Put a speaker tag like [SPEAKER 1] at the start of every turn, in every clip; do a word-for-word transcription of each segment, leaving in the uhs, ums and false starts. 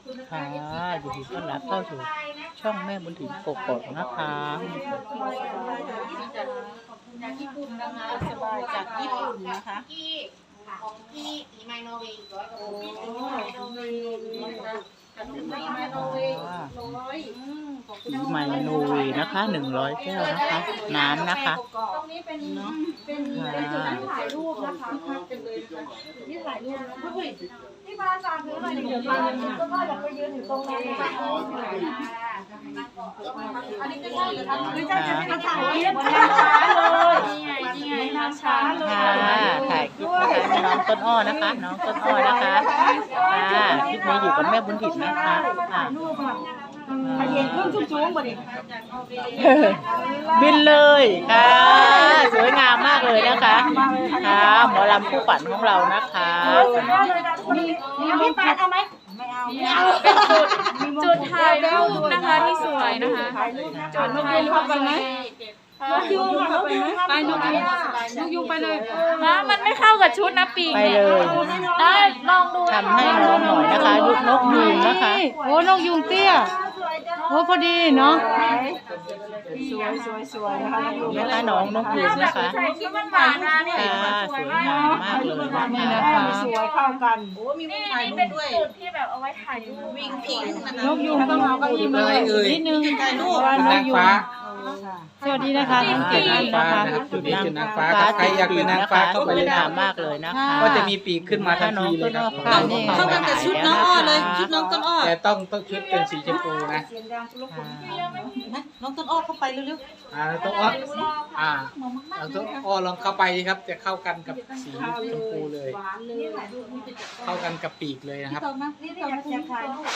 [SPEAKER 1] ค่ะยินดีต้อนรับเข้าสู่ช่องแม่บุญถิ่นกกอกนะคะ
[SPEAKER 2] จากญี่ปุ่นนะคะสบายจากญี่ปุ่นนะคะ
[SPEAKER 3] ของพี่อีไมโนเวย์อีกร้อยกว่าโลพี่
[SPEAKER 2] โอ้
[SPEAKER 3] อีไมโนเวย์นะคะจากพี่ไมโนเวย์ร้อยขอบคุณ
[SPEAKER 1] สีไมโนเวย์นะคะหนึ่งร้อยแก้วนะคะ น้ำนะคะ
[SPEAKER 3] ตรงนี้เป็นเป็นเป็นจุดที่ถ่ายรูปนะคะเป็นเลยที่ถ่ายรูปนะคะที่บ้านฝากซื้อหน่อยเดี๋ยวบ้านก็ว่าอยากไปยืนอยู่ตรงนั้นอันนี้ก็ใช่เหรอคะไม่ใช่จะไม่ถ่ายคลิปเลยนี่ไงนี่ไงน้ำช้าเลย
[SPEAKER 1] ค่ะถ่ายคลิปนะคะน้องต้นอ้อนะคะ น้องต้นอ้อนะคะค่ะคลิปนี้อยู่กับแม่บุญถิ่นนะคะค่ะเย็นเครื่องชุ่มๆบ่ดิบินเลยค่ะสวยงามมากเลยนะคะค่ะหมอลำคู่ฝันของเรานะคะ
[SPEAKER 3] พี่ปานเอาไหมไม่เอาไม่เอา
[SPEAKER 2] เป็นจุดจุดถ่ายรูปนะคะที่สวยนะคะจุดถ่ายรูปไปไหม
[SPEAKER 3] นกยูงนกยูงไปนกยูงนกยูงไปเลย
[SPEAKER 2] มามันไม่เข้ากับชุดนะปีก
[SPEAKER 1] ไป
[SPEAKER 2] เนี่ย
[SPEAKER 1] เลย
[SPEAKER 2] ได้ลองดู
[SPEAKER 1] ทำให้น้องหน่อยนะคะลูกนกยูงนะคะ
[SPEAKER 4] โอ้นกยุงเตี้ยโอ้พอดีเนาะ
[SPEAKER 3] สวยสวยสวยนะคะ
[SPEAKER 1] นะคะน้องนกยูงนะคะ
[SPEAKER 2] ใส่ชุดมันหวานมาเนี่ย
[SPEAKER 1] ค่ะสวยงามมากเลย
[SPEAKER 4] นี่
[SPEAKER 1] นะ
[SPEAKER 4] นะคะ คะ
[SPEAKER 3] สวยเข้ากัน
[SPEAKER 2] นี่นี่เป็นจุดที่แบบเอาไว้ถ่ายรูปวิ่งผิง
[SPEAKER 4] นกยุงต้องเอาเก้าอี้มานิดนึงเพราะว่านกยุงสวัสดีนะคะทั้งเจ็ดท่านนะคะ
[SPEAKER 5] จุดนี้จุดนางฟ้าครับใครอยากเป็นนางฟ้าเข้าไป
[SPEAKER 1] สว
[SPEAKER 5] เลย ย
[SPEAKER 1] งา
[SPEAKER 5] นะ
[SPEAKER 1] มมากเลยนะคะ
[SPEAKER 5] ก็จะมีปีกขึ้นมาทันทีเลยครับ
[SPEAKER 1] ค่ะนี่
[SPEAKER 4] เข้ากันกับชุดน้องอ้อเลยชุดน้องต้นอ้อ
[SPEAKER 5] แต่ต้องต้องชุดเป็นสีชมพูนะ
[SPEAKER 4] น้องต้นอ้อเข้าไปเร็ว
[SPEAKER 5] อ่าต้องอ้ออ่าเราต้องอ้อลองเข้าไปครับจะเข้ากันกับสีชมพูเลย เข้ากันกับปีกเลยนะครับ
[SPEAKER 3] นี่อยากอยากถ่ายรูป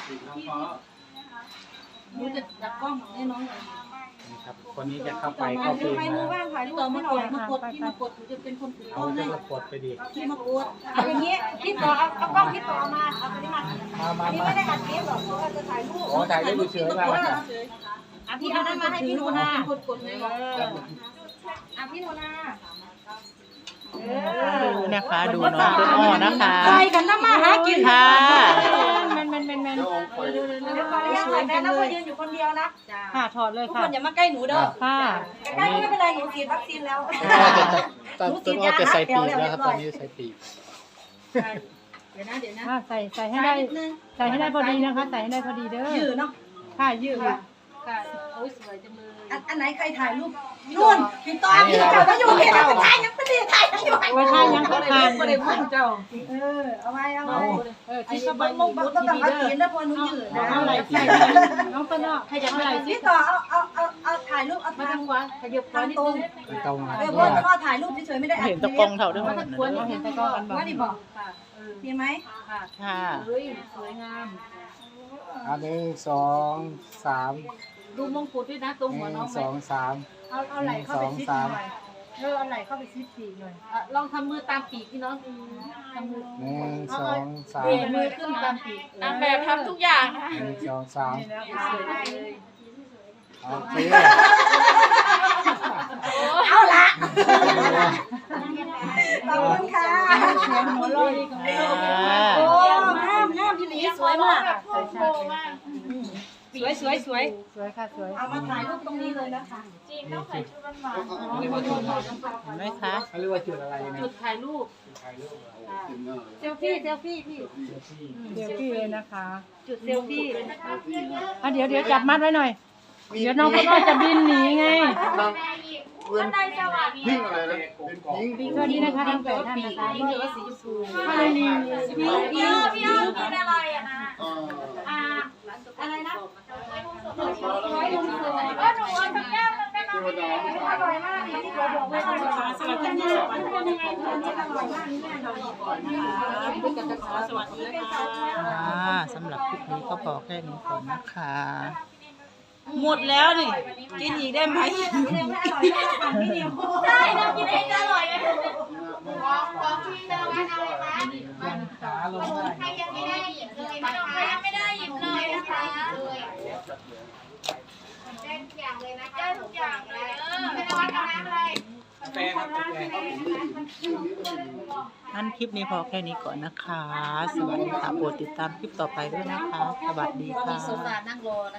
[SPEAKER 3] ดูจะจับกล้องให้น้องหน่อย
[SPEAKER 5] นี่ครับคนนี้จะเข้าไปเข้าปีก
[SPEAKER 3] ไม่
[SPEAKER 5] นะ
[SPEAKER 3] รู้บ้างถ่ายรูปให้หน่อยมากดพี่มากดหนูจะเป็นคนถือ
[SPEAKER 5] เอาจะกดไปดิ
[SPEAKER 3] พี่มากดเอาอย่างนี้พี่ต่อเอาเอากล้องพี่ต่อมาเอาไปนี่มา
[SPEAKER 5] มามา
[SPEAKER 3] พี่
[SPEAKER 5] มา
[SPEAKER 3] ไม่ได้อัดคลิปหรอกเพราะว่าจะถ่ายรูป
[SPEAKER 5] โอ้ถ่ายรูปเฉยๆมาแล้วครับ
[SPEAKER 3] อ่ะพี่เอานั้นมาให้พี่หนูนากดกดเลยอ่ะพี่หนูนาเออ
[SPEAKER 1] ดูนะคะดูน้องต้นอ้อนะคะ
[SPEAKER 3] ไปกันนะมาหากิน
[SPEAKER 1] ค่ะ
[SPEAKER 4] ๆมันมันมันมัน
[SPEAKER 3] เดี๋ยวขออนุญาตถ่ายนะแล้วก็ยืนอยู่คนเดียวนะ
[SPEAKER 4] ค่ะถอดเลย
[SPEAKER 3] ทุก
[SPEAKER 4] ค่ะ
[SPEAKER 3] คนอย่ามาใกล้หนูเด้อ
[SPEAKER 4] ค่ะ
[SPEAKER 3] ใกล้ไม่เป็นไรหนูฉีดวัคซีนแล้ว
[SPEAKER 5] ตอนต้นอ้อจะใส่ปีกแล้วครับตอนนี้ใส่ปีก
[SPEAKER 3] เดี๋ยวนะเดี๋ยวนะ
[SPEAKER 4] อ่าใส่ใส่ให้ได้ใส่ให้ได้พอดีนะคะ ใส่ให้ได้พอดีเด้อ
[SPEAKER 3] ยืดเนาะ
[SPEAKER 4] ค่ะยืด
[SPEAKER 3] ค่ะโอ้ยสวยจังเลยอันอันไหนใครถ่ายรูปนู่นพี่ต้อมพี่เจ้าก็อยู่พี่เราถ่ายยังไม่ได้ถ่ายยังอยู่
[SPEAKER 4] ไว้ท่ายังก็ทาน
[SPEAKER 3] ไม่ได้พูดเจ้าเออเอาไว้เอาไว้
[SPEAKER 4] เออ
[SPEAKER 3] ไอ้
[SPEAKER 4] ที่
[SPEAKER 3] ส
[SPEAKER 4] ส
[SPEAKER 3] บั
[SPEAKER 4] บาย
[SPEAKER 3] งมุกบังก็ต้องพักกินนะพอหนูยืดนะ
[SPEAKER 4] เอาไหล่ใส่น้องต้นอ้อใครจะเอาไหล่สิ
[SPEAKER 3] พี่ต่อเอาเอาเอาเอาถ่ายรูปเอาทางขวาขยับทางตรง
[SPEAKER 5] ตรง
[SPEAKER 3] เออเพื่อนพ่อถ่ายรูปเฉยๆไม่ได้อัด
[SPEAKER 1] เห็นตะกงเท่าด้วย
[SPEAKER 4] ถ้าควรเห็นตะกร้อกันบอก
[SPEAKER 3] ว่าดิบอกดีไหม
[SPEAKER 1] ค่ะ
[SPEAKER 3] เฮ้ยสวยงาม
[SPEAKER 5] อันหนึ่งสองสาม
[SPEAKER 3] ดูมงกุฎด้วยนะตรง
[SPEAKER 5] ห
[SPEAKER 3] หัวน้
[SPEAKER 5] นึ่
[SPEAKER 3] อง
[SPEAKER 5] ง
[SPEAKER 3] ไหม
[SPEAKER 5] สองสาม
[SPEAKER 3] เอาเอาไหล่เข้าไปซิดหน่อยเออเอาไหล่เข้าไปซิดปีกหน่อยอ่ะลองทำมือตามปีกพี่น้องทำมือ
[SPEAKER 5] หนึ่งสองสาม
[SPEAKER 3] เบมือขึ้นตามปีก
[SPEAKER 2] นางแบบทำทุกอย่างนะคะ
[SPEAKER 5] หนึ่งสองสาม
[SPEAKER 3] สวยเลย
[SPEAKER 5] โอเค
[SPEAKER 3] เอาละขอบคุณค่ะ
[SPEAKER 4] หัวลอยของ
[SPEAKER 1] ค่ะ
[SPEAKER 3] โอ้งามงามพี่หลีสวยมาก
[SPEAKER 2] แบบพุ่งโตมาก
[SPEAKER 3] สวยสวยสวย
[SPEAKER 4] สวยค่ะสวย
[SPEAKER 3] เอามาถ่ายรูปตรงนี้เลยนะคะ
[SPEAKER 2] จริงต้องใส่ชุดหวาน
[SPEAKER 5] เรียกว่าจุดอะไร
[SPEAKER 1] เห็นไหมคะ
[SPEAKER 5] เขาเรียกว่าจุดอะไรนะ
[SPEAKER 3] จุดถ่ายรูป
[SPEAKER 5] ถ่ายรูปเหรอ
[SPEAKER 3] เซลฟี่เซลฟี่พี่
[SPEAKER 4] เดี๋ยวพี่เลยนะคะ
[SPEAKER 3] จุดเซลฟี่
[SPEAKER 4] อ่ะเดี๋ยวเดี๋ยวจับมัดไว้หน่อย เดี๋ยวน้องต้นอ้อจะบินหนีไง
[SPEAKER 2] ท่านใดสวัสดี
[SPEAKER 5] พิงอะไรนะเป็นพิง
[SPEAKER 4] สวัสดีนะคะทั้งแปดท่านนะคะ
[SPEAKER 3] นี่เดี๋ยวว่าสีชมพู
[SPEAKER 4] ถ้าไม่มี
[SPEAKER 2] พี่พี่พี่อ้อมกินอะไรอะนะอ่า
[SPEAKER 3] อะไรนะ
[SPEAKER 2] ร้อยลุงเสือก็หนูเอาสักแก้วนึงได้ไหมอร่อยมากนี่เราบอกว่าอร่อยมาก
[SPEAKER 3] สวัสดีค่ะสวัสดีค่ะอร่อยมากนี่แม่เราดีก่อนนะคะคุณกันจะขอสวัสดีค่ะ
[SPEAKER 1] ค่ะสำหรับคลิปนี้ก็พอแค่นี้ก่อนนะคะ
[SPEAKER 3] หมดแล้วนี่กินอีกได้ไหมใช่เรากินเองจะอร่อยไหม
[SPEAKER 2] ของของพี่จะเอาอะไรคะ
[SPEAKER 5] ยังขาลงได้
[SPEAKER 2] ใครยังไม่ได้หยิบเลยนะคะใครยังไม่ได้หยิบเลยนะคะได้ทุกอย่างเลยนะคะได้ทุกอย่างเลยเออเป็นวัดเอาน้ำอะไร
[SPEAKER 5] กาแฟครับกาแฟ
[SPEAKER 1] คงั้นคลิปนี้พอแค่นี้ก่อนนะคะ สวัสดีค่ะโปรดติดตามคลิปต่อไปด้วยนะคะ สวัสดีค่ะ
[SPEAKER 2] โซฟานั่งรอ